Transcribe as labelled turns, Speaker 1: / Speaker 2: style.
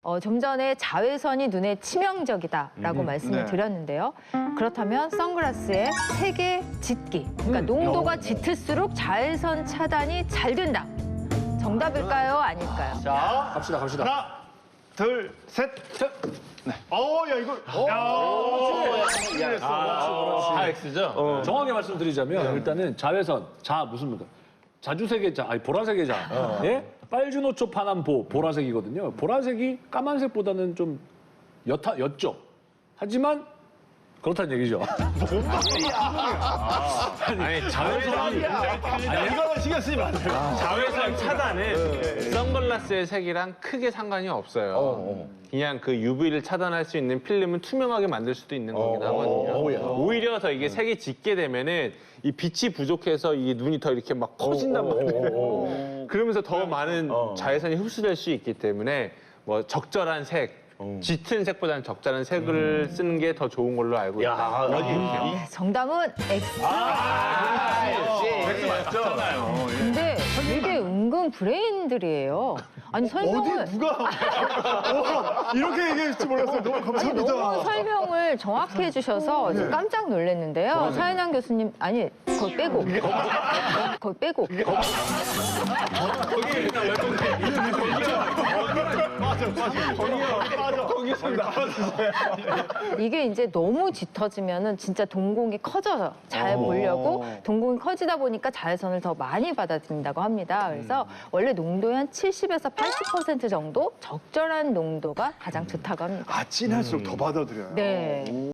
Speaker 1: 좀 전에 자외선이 눈에 치명적이다라고 말씀을 드렸는데요. 그렇다면 선글라스의 색의 짙기, 그러니까 농도가 짙을수록 자외선 차단이 잘 된다. 정답일까요? 아닐까요?
Speaker 2: 자,
Speaker 3: 갑시다.
Speaker 2: 하나, 둘, 셋. 네. 야, 이거.
Speaker 4: 다 X죠?
Speaker 3: 정확하게 말씀드리자면 일단은 자외선, 자주색의 자, 아니 보라색의 자, 예? 빨주노초 파남보 보라색이거든요. 보라색이 까만색보다는 좀 옅죠. 하지만 그렇다는 얘기죠.
Speaker 4: 아니, 자외선
Speaker 2: 이거는 신경 쓰지 마세요.
Speaker 4: 자외선 차단은 선글라스의 색이랑 크게 상관이 없어요. 그냥 그 UV를 차단할 수 있는 필름은 투명하게 만들 수도 있는 거긴 하거든요. 오히려 더 이게 색이 짙게 되면은 이 빛이 부족해서 이게 눈이 더 이렇게 막 커진단 말이에요. 그러면서 더 많은 자외선이 흡수될 수 있기 때문에 뭐 적절한 색, 짙은 색보다는 적절한 색을 쓰는 게 더 좋은 걸로 알고 있어요.
Speaker 1: 네, 정답은 X.
Speaker 2: X 맞잖아요.
Speaker 1: 근데 되게 은근 브레인들이에요. 아니 설명을
Speaker 2: 누가 이렇게 얘기할지 몰랐어요. 너무
Speaker 1: 너무
Speaker 2: 감사합니다.
Speaker 1: 설명을 정확히 해주셔서 저 깜짝 놀랐는데요. 사연양 교수님, 아니, 그걸 빼고. 그걸 빼고.
Speaker 2: 거기서 나와주세요.
Speaker 1: 이게 이제 너무 짙어지면은 진짜 동공이 커져서 잘 보려고 동공이 커지다 보니까 자외선을 더 많이 받아들인다고 합니다. 그래서 원래 농도의 한 70에서 80% 정도 적절한 농도가 가장 좋다고 합니다.
Speaker 2: 진할수록 더 받아들여요.
Speaker 1: 네.